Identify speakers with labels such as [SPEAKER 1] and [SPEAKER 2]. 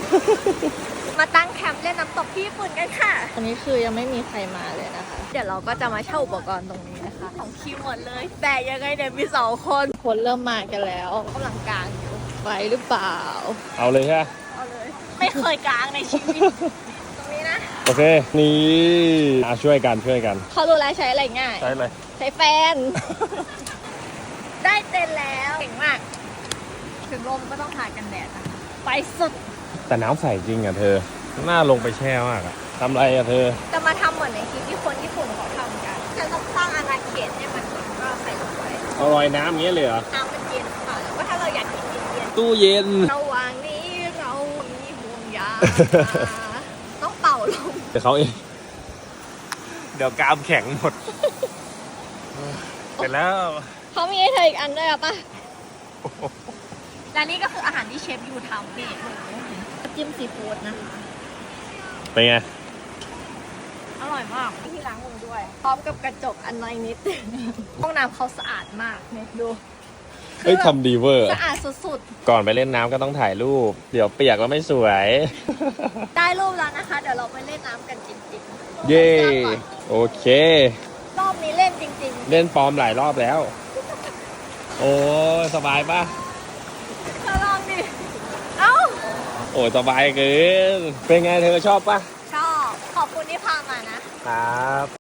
[SPEAKER 1] มาตั้งแคมป์เล่นน้ำตกที่ญี่ปุ่นกันค่ะอันนี้คือยังไม่มีใครมาเลยนะคะเดี๋ยวเราก็จะมาเช่าอุปกรณ์ตรงนี้นะคะของคิวหมดเลยแต่ยังไงเดี๋ยวมี2 คนเริ่มมากันแล้วกำลังกางอยู่ไหวหรือเปล่า
[SPEAKER 2] เอาเลยใช่ไหม
[SPEAKER 1] เอาเลยไม่เคยกางในชีวิตตรงนี้นะ
[SPEAKER 2] โอเคนี่ช่วยกัน
[SPEAKER 1] เขารู้แล้วใช้อะไรง่าย
[SPEAKER 2] ใช้เลย
[SPEAKER 1] ใช้แฟน ได้เต็นแล้วเก่งมากถึงลมก็ต้องทากันแดดนะไปสุด
[SPEAKER 2] แต่น้ำใสจริงอ่ะเธอน่าลงไปแช่มากอ่ะทำไรอ่ะเธอ
[SPEAKER 1] จะมาทำเหมือนในคลิปที่คนญี่ปุ่นเขาทำกันจะต้องสร้างอาณาเขตให้มันก็ใส่ลงไป
[SPEAKER 2] เอาลอยน้ำอย่างเงี้ยเลยเหรอ
[SPEAKER 1] น้ำมันเย็นค่ะแล้วก็ถ้าเราอยากกินเย็น
[SPEAKER 2] ตู้เย็น
[SPEAKER 1] ๆระหว่างนี้เรามีห่วงยาง ต้องเป่าลม
[SPEAKER 2] เดี๋ยวเขาเองเดี๋ยวกรามแข็งหมดเสร็จแล้ว
[SPEAKER 1] เขามีให้เธออีกอันด้วยหรอปะและนี่ก็คืออาหารที่เชฟยูทำนี่จิ้มซีฟู้ดนะคะ
[SPEAKER 2] เป็นไง
[SPEAKER 1] อร่อยมากที่ล้างมือด้วย พร้อมกับกระจกอันน้อยนิด ห้องน้ำเขาสะอาดมากเนี่ยดู
[SPEAKER 2] เฮ้ยทำดีเวอร์
[SPEAKER 1] สะอาดสุด
[SPEAKER 2] ก่อนไปเล่นน้ำก็ต้องถ่ายรูป เดี๋ยวเปียกแล้วไม่สวย
[SPEAKER 1] ๆ ได้รูปแล้วนะคะ เดี๋ยวเราไปเล่นน้ำกันจริงๆ
[SPEAKER 2] เย่โอเค
[SPEAKER 1] รอบนี้เล่นจริง
[SPEAKER 2] เล่นปลอมหลายรอบแล้ว โอ้ยสบายปะ
[SPEAKER 1] ๆเธอลองดิ เอ้า
[SPEAKER 2] โอ้ยสบายเกิน เป็นไงเธอชอบปะ
[SPEAKER 1] ชอบ ขอบคุณที่พามานะ
[SPEAKER 2] ครับ